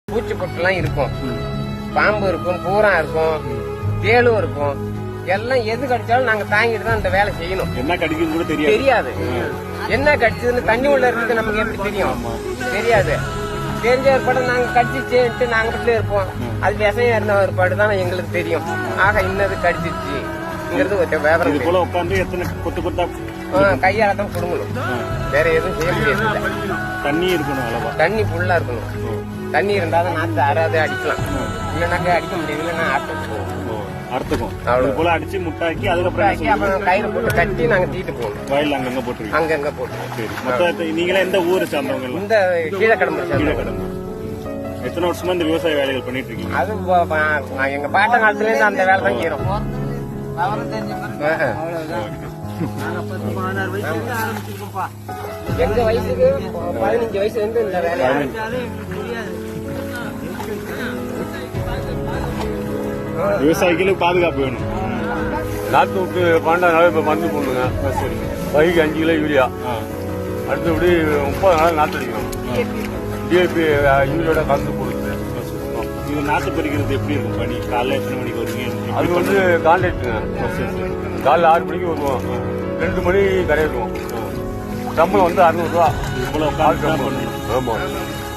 பூச்சி பொட்டுலாம் இருக்கும், பாம்பு இருக்கும், பூரா இருக்கும், தேளும் இருக்கும். எல்லாம் எது கடிச்சாலும் நாங்க தாங்கிட்டு தான் இந்த வேலை செய்யணும். என்ன கடிக்குன்னு கூட தெரியாது. என்ன கடிச்சதுன்னு தண்ணி உள்ள இருக்கிறது நமக்கு எப்படி தெரியும்? தெரியாது. தெரிஞ்ச ஏற்பாடு நாங்க கடிச்சிச்சுட்டு நாங்க வீட்டுல இருப்போம். அது விஷயம் இருந்த ஏற்பாடு தான் எங்களுக்கு தெரியும். ஆக இன்னது கடிச்சிச்சுங்கிறது ஒரு விவரம். இது போல உட்காந்து எத்தனை கொத்து கொத்தா கையால தான் குடுங்கணும், வேற எதுவும் செய்ய முடியாது. தண்ணி இருக்கணும், அளவா தண்ணி ஃபுல்லா இருக்கணும். தண்ணி இருந்தாதான் நாத்து அறாது அடிக்கலாம், இல்லைனாக்க அடிக்க முடியாது. இல்லைன்னா அறுத்துக்கும். அவ்வளவு போல அடிச்சு முட்டாக்கி அதுக்கப்புறம் கயிறு போட்டு கட்டி நாங்க தீட்டு போகணும். வயல் அங்கங்க போட்டுருக்கோம். அங்கங்க போட்டு. சரி, மொத்தம் நீங்களே எந்த ஊரை சார்ந்தவங்க? இந்த கீழக்கடம்பு. எத்தனை வருஷமா இந்த விவசாய வேலைகள் பண்ணிட்டு இருக்கீங்க? அது எங்க பாட்ட காலத்துல இருந்து அந்த வேலை தான் செய்யறோம். எங்க வயசுக்கு 15 வயசுல இருந்து இந்த வேலை. விவசாயிகளுக்கு பாதுகாப்பு வேணும். நாற்று விட்டு 12 நாள் இப்ப மருந்து போடணுங்க. பைக்கு 5 கிலோ யூரியா, அடுத்தபடி 30 நாள் நாற்று அடிக்கணும். டிஏபி யூரியோட கலந்து போடுது. இது நாற்று பறிக்கிறது எப்படி இருக்கும் பணி? காலைல எத்தனை மணிக்கு வருவீங்க? அது வந்து கான்ட்ராக்டுங்க. காலைல 6 மணிக்கு வருவோம், 2 மணி கரையிடுவோம். சம்பளம் வந்து 600 ரூபா. இவ்வளவு ஆமா.